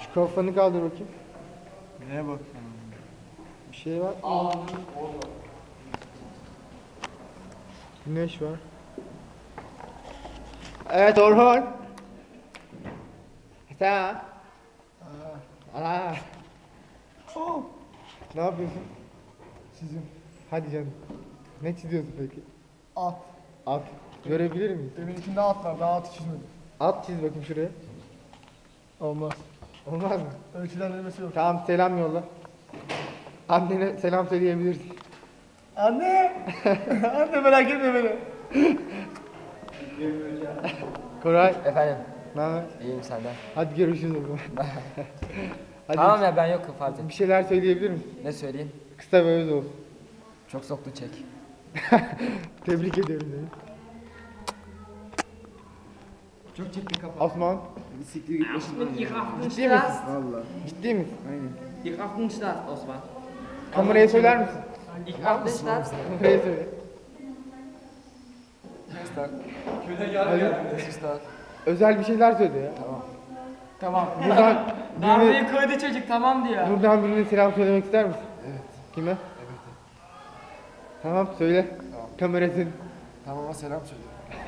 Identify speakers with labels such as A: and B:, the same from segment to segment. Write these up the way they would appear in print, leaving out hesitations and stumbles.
A: Şu kafanı kaldır bakayım.
B: Neye bak?
A: Bir şey var. Güneş var. Evet Orhun. Sen. Aa. Ne yapıyorsun?
B: Çizim.
A: Hadi canım. Ne çiziyorsun peki?
B: At.
A: At. Görebilir miyiz?
B: Evin içinde at var. Daha atı çizmedim.
A: At çiz bakayım şuraya.
B: Olmaz.
A: Olmaz mı?
B: Ölçülendirmesi yok.
A: Tamam selam yolla. Annene selam söyleyebilirsin.
B: Anne! Anne merak etme beni.
A: Koray.
C: Efendim,
A: Ne haber?
C: iyiyim senden.
A: Hadi görüşürüz o zaman. Hadi
C: Tamam ya ben yokum fark et.
A: bir şeyler söyleyebilir misin?
C: Ne söyleyeyim?
A: Kısa ve öz olsun.
C: Çok soktu çek.
A: Tebrik ederim seni.
C: Çok çekti kafa.
A: Osman.
D: Siktir git başımdan ya.
A: Ciddi misin?
D: Valla.
A: Ciddi misin?
D: Aynen.
E: Ich auf den Start, Osman.
A: Kameraya söyler misin?
E: Ich auf den Start.
A: Kameraya söyle.
C: Usta.
A: Özel bir şeyler söyle ya.
E: Tamam.
A: Buradan
E: Darbeyi koydu çocuk tamam diyor.
A: buradan birine selam söylemek ister misin? Evet. Kime? Evet. Tamam söyle.
D: Tamam.
A: Kamerasın.
D: Tamama selam söyle.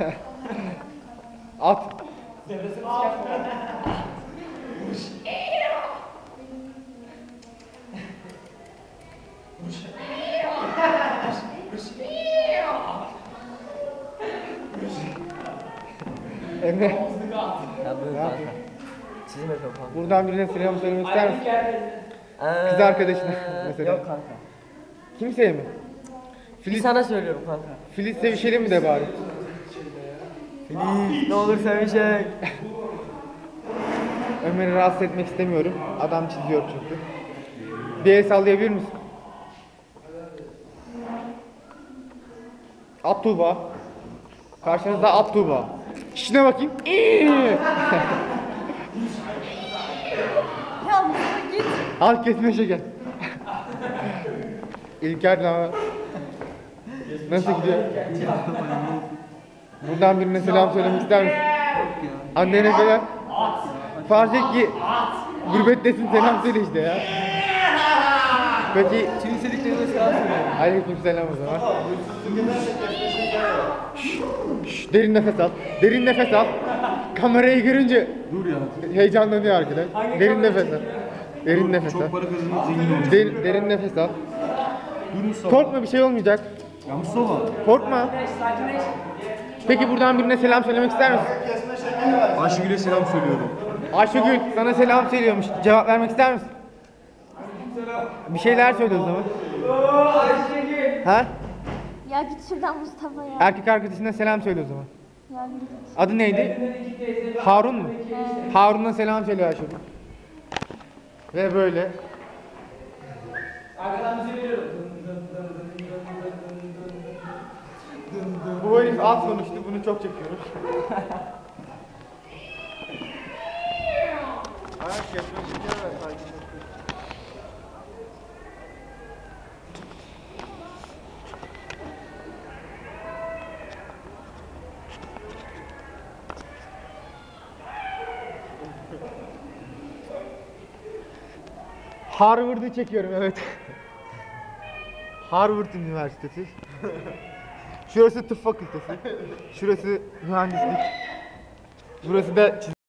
A: At. Emre,
C: Ya buyur
A: ne
C: kanka.
A: yapıyorsun?
C: Çizim yapıyorum kanka.
A: Buradan birine selam söylemek ister misin? Kız arkadaşına mesela.
C: Yok kanka.
A: Kimseye mi?
C: Bir
A: Filiz,
C: sana söylüyorum kanka.
A: Filiz sevişelim mi de bari?
C: Filiz ne olur sevişek.
A: Ömer'i rahatsız etmek istemiyorum. Adam çiziyor çünkü. Bir el sallayabilir misin? At Tuğba. Karşınızda At Tuğba. İşine bakayım.
F: Ya Mustafa git.
A: Al kesme şeker. İlker ne haber? Nasıl gidiyor? Buradan birine selam söylemek ister misin? Annene selam. Farz et ki gurbettesin selam söyle işte ya. Peki
C: Tüm istediklerine selam söyle.
A: aleykümselam o zaman. Şşş, derin nefes al. Derin nefes al. Kamerayı görünce
D: Dur ya.
A: heyecanlanıyor arkadaş. Derin nefes al. Derin nefes al.
D: Çok para kazanıp zengin olacağım.
A: Derin nefes al.
D: Dur Mustafa.
A: Korkma bir şey olmayacak.
D: Ya Mustafa.
A: Korkma. Peki buradan birine selam söylemek ister misin?
D: Ayşegül'e selam söylüyorum.
A: Ayşegül sana selam söylüyormuş. Cevap vermek ister misin? Bir şeyler söyle o zaman. Ha?
F: Ya git şuradan Mustafa ya.
A: Erkek arkadaşına selam söyle o zaman.
F: Ya git.
A: Adı neydi? Harun mu? Harun'a selam söyle Ayşegül. Ve böyle.
E: Arkadan müziği veriyorum.
A: Bu herif az konuştu. Bunu çok çekiyoruz. Ayak kesme şeker ver. Sakin. Harvard'ı çekiyorum evet. Harvard Üniversitesi. Şurası tıp fakültesi. Şurası mühendislik. Burası da